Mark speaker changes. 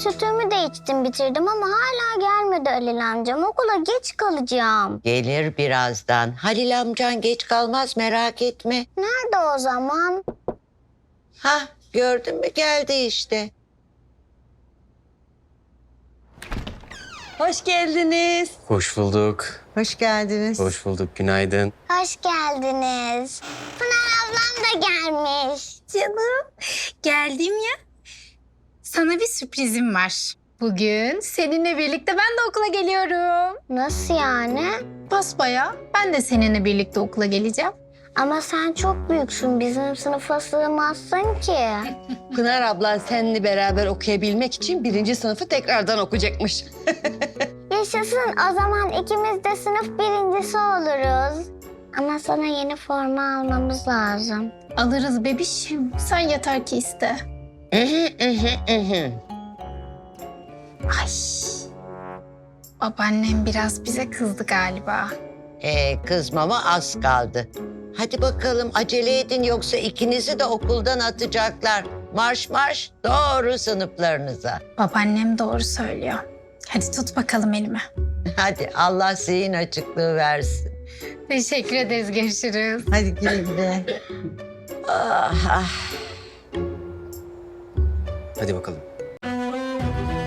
Speaker 1: Sütümü de içtim bitirdim ama hala gelmedi Halil amcam. Okula geç kalacağım.
Speaker 2: Gelir birazdan. Halil amcan geç kalmaz, merak etme.
Speaker 1: Nerede o zaman?
Speaker 2: Hah, gördün mü, geldi işte.
Speaker 3: Hoş geldiniz.
Speaker 4: Hoş bulduk.
Speaker 3: Hoş geldiniz.
Speaker 4: Hoş bulduk. Günaydın.
Speaker 1: Hoş geldiniz. Pınar ablam da gelmiş.
Speaker 5: Canım, geldim ya. Sana bir sürprizim var. Bugün seninle birlikte ben de okula geliyorum.
Speaker 1: Nasıl yani?
Speaker 5: Basbayağı ben de seninle birlikte okula geleceğim.
Speaker 1: Ama sen çok büyüksün. Bizim sınıfa sığmazsın ki.
Speaker 3: Pınar ablan seninle beraber okuyabilmek için 1. sınıfı tekrardan okuyacakmış.
Speaker 1: Yaşasın. O zaman ikimiz de sınıf birincisi oluruz. Ama sana yeni forma almamız lazım.
Speaker 5: Alırız bebişim. Sen yeter ki iste. Ay. Babaannem biraz bize kızdı galiba.
Speaker 2: Kızmama az kaldı. Hadi bakalım, acele edin, yoksa ikinizi de okuldan atacaklar. Marş marş doğru sınıflarınıza.
Speaker 5: Babaannem doğru söylüyor. Hadi tut bakalım elimi.
Speaker 2: Hadi, Allah zihin açıklığı versin.
Speaker 5: Teşekkür ederiz. Görüşürüz.
Speaker 3: Hadi güle güle.
Speaker 2: Ah, ah.
Speaker 4: Hadi bakalım.